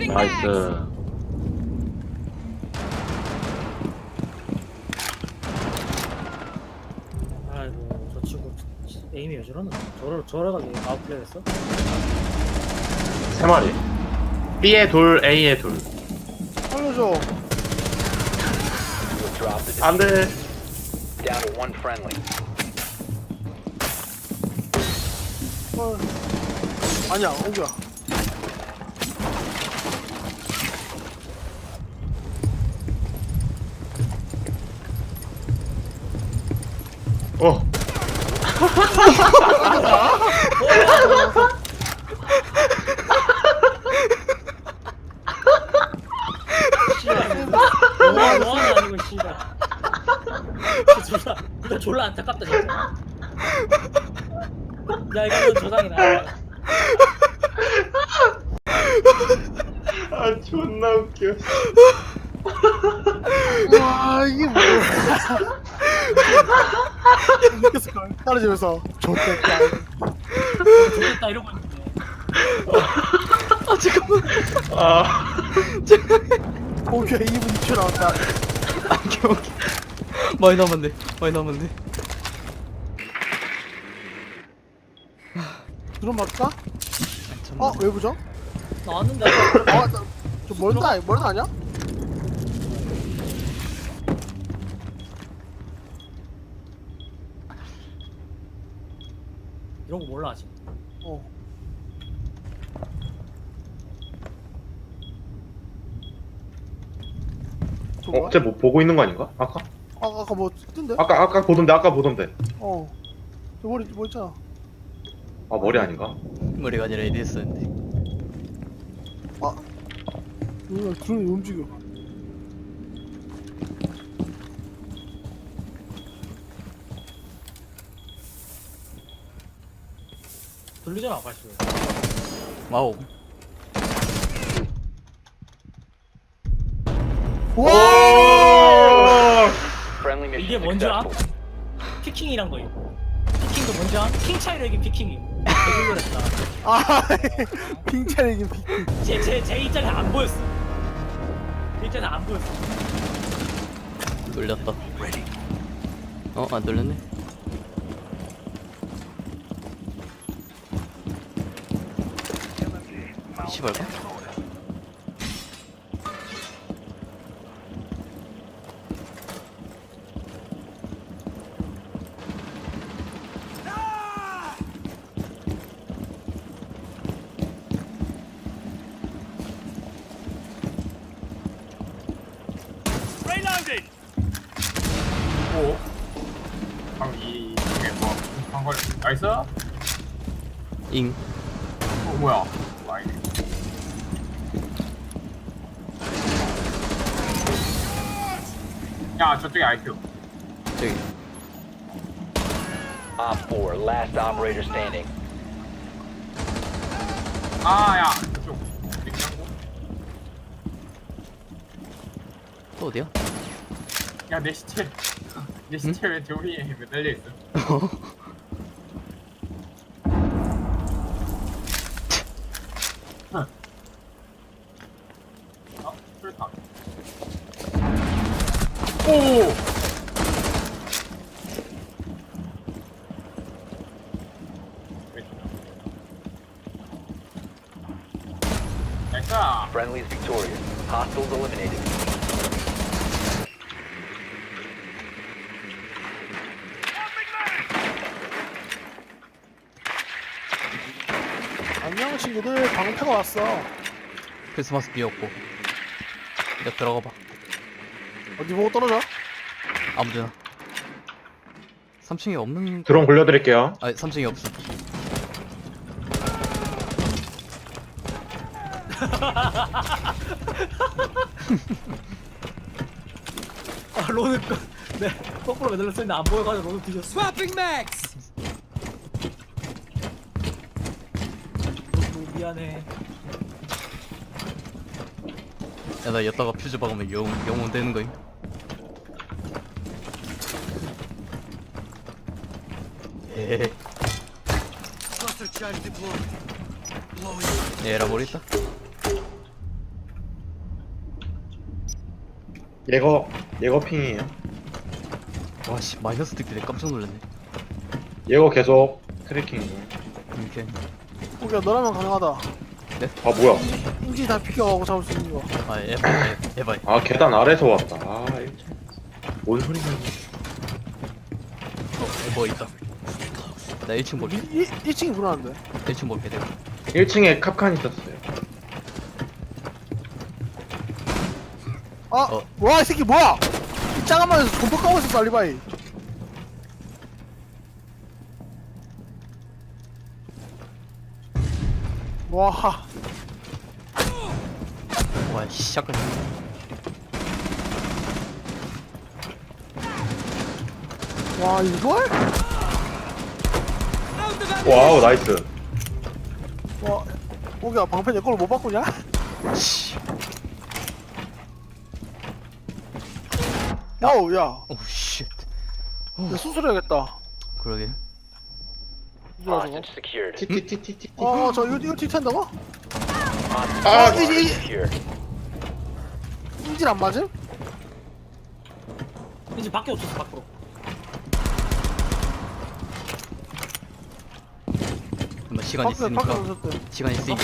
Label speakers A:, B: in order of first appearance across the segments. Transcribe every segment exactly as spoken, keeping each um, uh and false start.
A: 나이스.
B: 아이고 저 친구 에임이 왜 저러나? 저러 저러가게 아웃플레이 했어?
A: 세 마리. B에 둘, A에 둘.
C: 살려줘.
D: Drop the
A: 안 돼.
D: down to one friendly.
C: 어. 아니야, 오기야.
A: 어.
B: 씨발 뭐하는 뭐하는 아니고 씨발 진짜 졸라 이거 졸라 안타깝다 진짜 야 이거는 조상이다
A: 아 존나 웃겨.
C: 와, 이게 뭐야. 느꼈을걸. 떨어지면서. 좋겠다.
B: 좋겠다 이러고 있는데
E: 아 잠깐만.
A: 아.
C: 오기야 이 분 이 초 나왔다.
E: 오케이 오케이. 많이 남았네. 많이 남았네.
C: 드론 맞을까? 어, 외부죠?
B: 나왔는데
C: 아, 나, 저 멀다, 멀다 아니야?
B: 이런 거 몰라 아직
C: 어. 저 뭐야?
A: 어, 쟤뭐 보고 있는 거 아닌가? 아까?
C: 아, 아까 뭐 뜬데?
A: 아까 아까 보던데 아까 보던데.
C: 어. 저 머리 뭐 있잖아.
A: 아 머리 아닌가?
E: 머리가 아니라 에디스였는데.
C: 아. 뭐야, 드론이 움직여.
B: 들리잖아 아가씨
E: 와우.
C: 와!
D: Friendly mission
B: 이게 뭔지 알아?
D: successful.
B: 피킹이란 거 있고 피킹도 뭔지 알아? 킹 차이로 이게 피킹이 개놀랬다
C: 아, 핑차이긴 핑.
B: 제제 제 입장에 안 보였어 제 입장에 안 보였어
E: 놀렸다. 어, 안 놀렸네. 시발가?
F: 오. 방금 이 중에 뭐 한걸 나이스? 어
E: 잉.
F: 뭐야? 와이네. 야 저쪽에 아이큐.
E: 저기.
D: Op four, last operator standing.
F: 아야 저쪽. 냉장고.
E: 또 어디야?
F: 야내 시체. 내 시체 왜 저기에 매달려 있어? 어? 술탄. 오! 나이스!
D: Friendly's victorious. Hostiles eliminated.
C: 안녕 친구들, 방패가 왔어.
E: 크리스마스 비었고. 이제 들어가 봐.
C: 어디 보고 떨어져?
E: 아무데나. 삼 층에 없는.
A: 드론 굴려드릴게요.
E: 아니 삼 층에 없어.
B: 아 로는 거- 네 거꾸로 매달렸어 있는데 안 보여가지고 로는 뒤졌어
G: Swapping max!
B: 로, 로 미안해
E: 야 나 여다가 퓨즈 박으면 영 영웅 되는 거임. 에헤.
G: Cluster charge deployed. Blowing.
E: 얘라 머리 있다.
A: 예거 예거 핑이에요.
E: 와씨 마이너스 듣길래 깜짝 놀랐네.
A: 예거 계속 트래킹.
E: 이렇게.
C: 오기야 너라면 가능하다.
A: 아 뭐야?
C: 인지 다 비켜가고 잡을 수 있는 거.
E: 아 에바 에- 에바.
A: 아 계단 아래서 왔다. 아 일 층. 뭔 소리냐?
E: 어 에버 있다. 나 일 층 볼게.
C: 이, 이 층이 불안한데.
E: 일 층 볼게 내가.
A: 일 층에 캅칸 있었어요.
C: 아!
E: 어.
C: 와 이 새끼 뭐야! 이 짜가만에서 존버 까고 있었어 알리바이. 와.
E: 와씨 시작을.
C: 와 이걸?
A: 와우 나이스.
C: 와. 오기야 방패 내 걸로 못 바꾸냐?
E: 씨.
C: 와우 야.
E: 오 쉣.
C: 야 수술해야겠다.
E: 그러게.
C: 이거 저거.
D: Hostage secured.
A: 티티티티티.
C: 어저 이거 이거 튀탄다고?
A: 아
C: 이제 이
D: Secured.
C: 인질 안 맞음?
B: 이제 밖에 없었어 밖으로.
E: 잠깐만 시간
C: 밖에 밖에
E: 있으니까.
C: 없었대.
E: 시간 있으니까.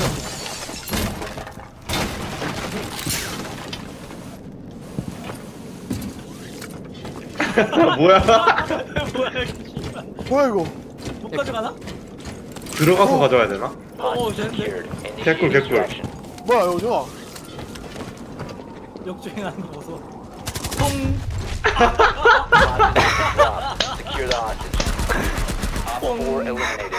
A: 뭐야?
B: 뭐야 씨발.
C: 뭐야 이거?
B: 못 가져가나?
A: 들어가서 가져야 되나?
B: 어
D: Hostage
B: 쟤네
D: secured.
A: 개꿀,
D: Initiate
A: 개꿀.
D: extraction.
C: 뭐야 이거 좋아.
B: 역주행하는 거 보소.
D: Hostage dropped. Secure the hostage. Op four eliminated.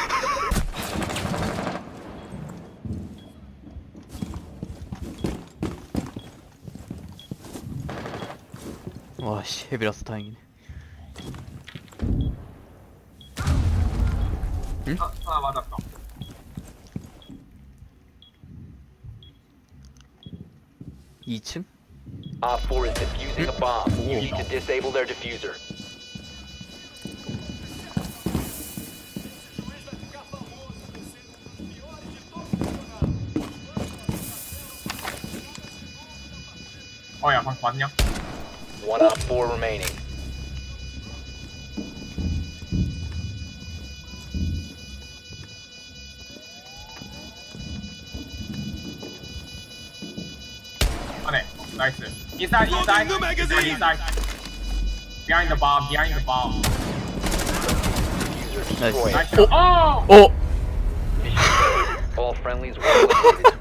E: 와씨 헤비라서 다행이네.
F: 아, 아 맞았다.
E: 이 층?
D: Op four is defusing a bomb. You need to disable their diffuser.
F: 어야 방금 봤냐?
D: One op four remaining.
F: 안에. 나이스. Inside, inside. Inside, inside. Behind the bomb. Behind the bomb.
D: Diffuser
E: Nice.
F: Nice.
D: destroyed.
F: shot. Oh!
E: 어!
D: Mission failed. All friendlies were eliminated.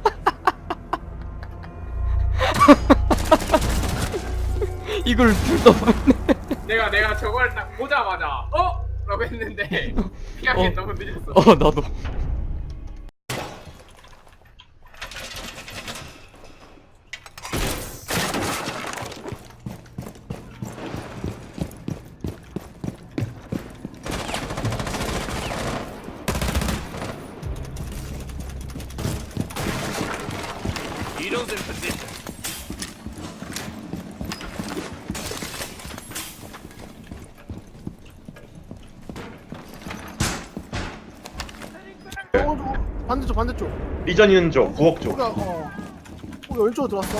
E: 이걸 둘다 보네.
F: 내가 내가 저걸 딱 보자마자 어? 라고 했는데 피하기
E: 어.
F: 너무 늦었어.
E: 어 나도.
C: 어, 저, 반대쪽 반대쪽.
A: 리전 있는 쪽, 부엌 쪽.
C: 오기야 어. 오기야 왼쪽으로 들어왔어.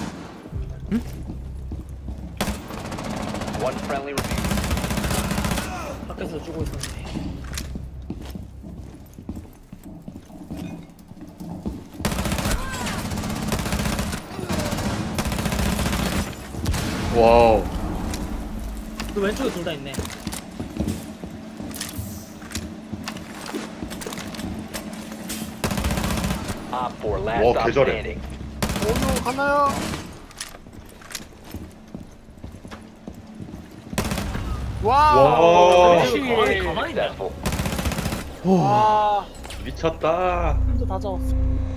D: One friendly remaining.
B: 밖에서 주고 있었는데.
A: 와우.
B: 너 왼쪽에 둘 다 있네.
D: Op four last
A: 와,
D: stop
A: 개잘해.
D: standing.
C: 오기야 갔나요? 와.
A: 와.
B: 왼쪽에 가만히 가만히 있네.
D: Successful.
C: 와.
A: 미쳤다.
B: 혼자 다 잡았어.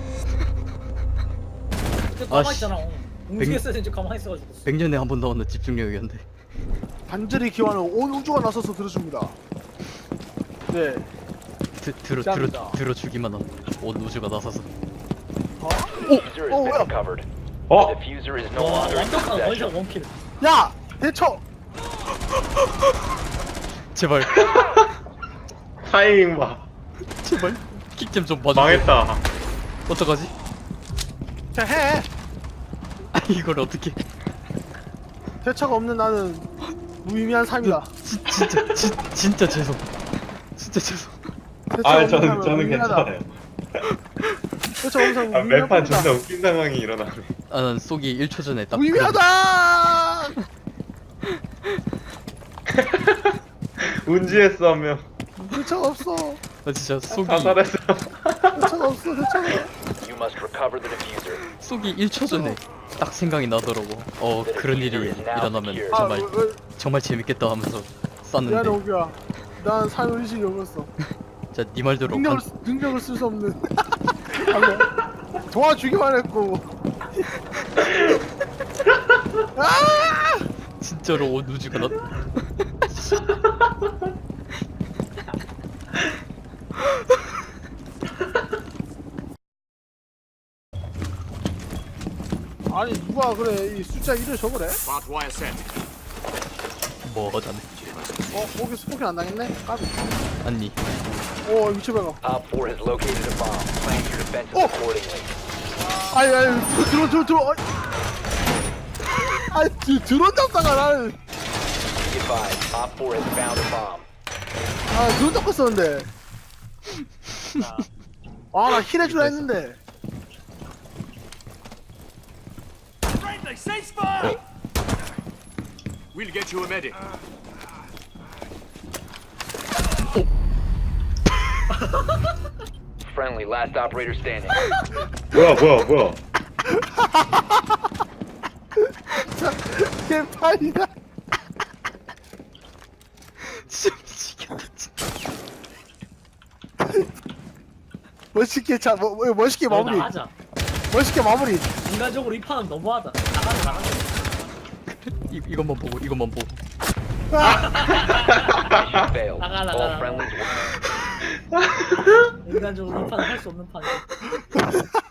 B: 근데
E: 아,
B: 가만히
E: 씨.
B: 있잖아. 움직였어야 되는지 가만히 있어가지고.
E: 백 년에 한 번 나오는 집중력이었는데.
C: 간절히 기원하는 온 우주가 나서서 들어줍니다. 네.
E: 드, 들어 들어
C: 감사합니다.
E: 들어주기만 한 온 우주가 나서서.
D: Diffuser has
C: Oh,
D: been
C: yeah.
D: recovered.
A: 어?
D: The diffuser is no
B: 와
D: longer in
B: 완벽한
D: possession.
B: 원샷 원킬.
C: 야 대처.
E: 제발
A: 타이밍 봐.
E: 제발 킥좀 좀 봐줘.
A: 망했다.
E: 어떡하지?
C: 자 해.
E: 아, 이걸 어떻게?
C: 대처가 없는 나는 무의미한 삶이다.
E: 진, 진짜 진, 진짜 죄송. 진짜 죄송.
C: 대처가
A: 아
C: 없는
A: 저는
C: 삶은
A: 저는
C: 무의미하다.
A: 괜찮아요.
C: 대처가 없는 삶은
A: 아,
C: 무의미한
A: 매판
C: 뿐이다.
A: 존나 웃긴 상황이 일어나네.
E: 아, 난 쏘기 일 초 전에 딱.
C: 무의미하다.
A: 운지했어 한 명.
C: 대처가 없어.
E: 그런- 나 진짜 쏘기
A: 사살했어.
C: 대처가 없어. 대처가.
D: You must recover the diffuser.
E: 쏘기 일 초 전에 딱 생각이 나더라고. 어 그런 일이 일어나면
C: 아,
E: 정말
C: 어, 어,
E: 정말 재밌겠다 하면서
C: 미안해
E: 쐈는데.
C: 오기야. 난 삶의 의식이 없었어.
E: 자, 네 말대로
C: 능력을
E: 관,
C: 쓰- 능력을 쓸 수 없는. 방금 도와주기만 했고. 아!
E: 진짜로 옷 우주가 나.
C: 아니 누가 그래 이 숫자 일을 적으래?
E: 뭐 하자네.
C: 어 거기 스포킹 안 당했네? 까비.
E: 아니.
C: 오 위치 봐가.
D: Op four has located a bomb. Plan your defenses
C: Oh.
D: accordingly.
C: 아니 아니 들어 들어 들어. 아니 드- 드론 잡다가 나는
D: Be advised, Op four has found a bomb.
C: 아 드론 잡고 있었는데. 아나 힐 해주라 했는데.
G: We'll get you a medic.
D: Friendly, last operator standing.
A: 뭐야 뭐야 뭐야.
C: 개판이다.
E: 진짜 미치겠다. 진짜.
C: 멋있게 자 뭐, 뭐, 멋있게
B: 너
C: 마무리.
B: 나가자.
C: 멋있게 마무리.
B: 인간적으로 이 판은 너무하다. 나가자 나가자.
E: 이 이것만 보고 이것만 보고.
D: Mission failed.
B: 나가, 나가,
D: All
B: 나가.
D: friendlies were
B: 인간적으로 이 판은 할 수 없는 판이야.